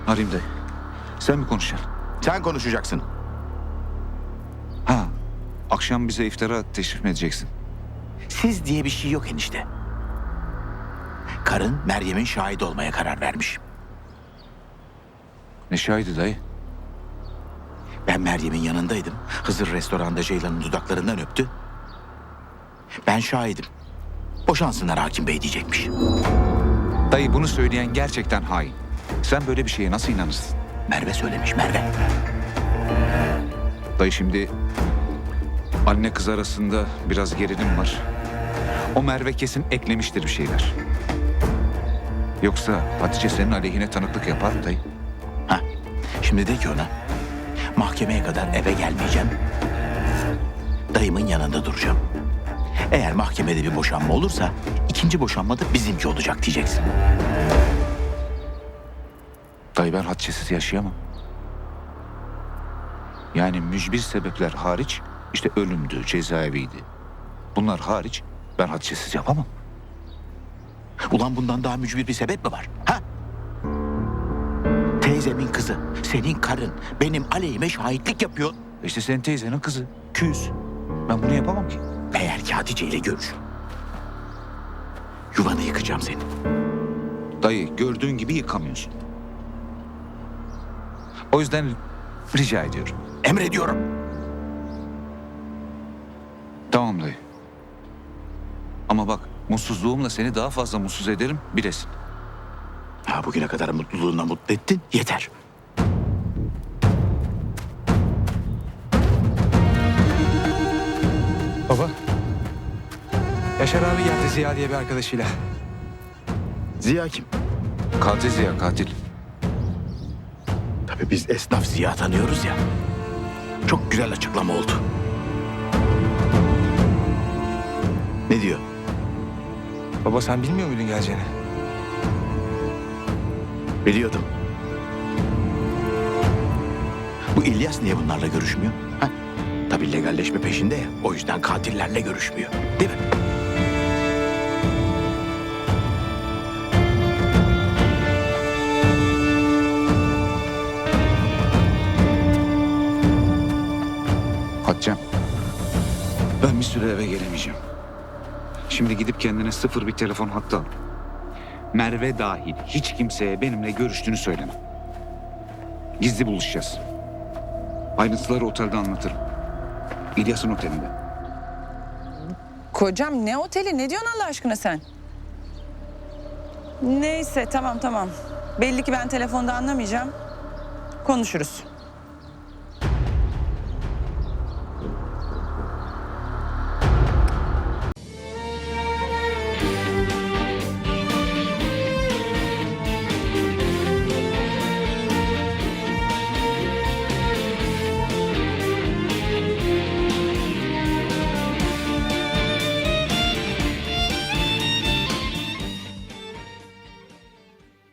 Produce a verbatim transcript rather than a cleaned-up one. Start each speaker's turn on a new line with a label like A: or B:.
A: Arayayım dayı. Sen mi konuşacaksın?
B: Sen konuşacaksın.
A: Ha. Akşam bize iftara teşrif mi edeceksin?
B: Siz diye bir şey yok enişte. Karın Meryem'in şahit olmaya karar vermiş.
A: Ne şahidi dayı?
B: Ben Meryem'in yanındaydım. Hızır restoranda Ceylan'ın dudaklarından öptü. Ben şahidim. Boşansınlar hakim bey diyecekmiş.
A: Dayı bunu söyleyen gerçekten hain. Sen böyle bir şeye nasıl inanırsın?
B: Merve söylemiş, Merve.
A: Dayı şimdi anne kız arasında biraz gerilim var. O Merve kesin eklemiştir bir şeyler. Yoksa Hatice senin aleyhine tanıklık yapar mı dayı?
B: Ha, şimdi de ki ona, mahkemeye kadar eve gelmeyeceğim. Dayımın yanında duracağım. Eğer mahkemede bir boşanma olursa ikinci boşanma da bizimki olacak diyeceksin.
A: Dayı ben Hatice'siz yaşayamam. Yani mücbir sebepler hariç, işte ölümdü, cezaeviydi. Bunlar hariç ben Hatice'siz yapamam.
B: Ulan bundan daha mücbir bir sebep mi var? Ha? Teyzemin kızı, senin karın benim aleyhime şahitlik yapıyor.
A: İşte senin teyzenin kızı, küs. Ben bunu yapamam ki.
B: Eğer ki Hatice ile görüş. Yuvanı yıkacağım seni.
A: Dayı gördüğün gibi yıkamıyorsun. O yüzden rica ediyorum.
B: Emrediyorum.
A: Tamam dayı. Ama bak mutsuzluğumla seni daha fazla mutsuz ederim bilesin.
B: Ha, bugüne kadar mutluluğuna mutlu ettin, yeter.
C: Baba. Yaşar abi geldi Ziya diye bir arkadaşıyla.
B: Ziya kim?
A: Katil Ziya katil.
B: Tabii biz esnaf Ziya tanıyoruz ya. Çok güzel açıklama oldu. Ne diyor?
C: Baba sen bilmiyor muydun geleceğini?
B: Biliyordum. Bu İlyas niye bunlarla görüşmüyor? Ha? Tabii legalleşme peşinde ya. O yüzden katillerle görüşmüyor. Değil mi?
A: Hatice'm, ben bir süre eve gelemeyeceğim. Şimdi gidip kendine sıfır bir telefon hattı al. Merve dahil hiç kimseye benimle görüştüğünü söyleme. Gizli buluşacağız. Ayrıntıları otelde anlatırım. İlyas'ın otelinde.
D: Kocam ne oteli, ne diyorsun Allah aşkına sen? Neyse tamam tamam. Belli ki ben telefonda anlamayacağım. Konuşuruz.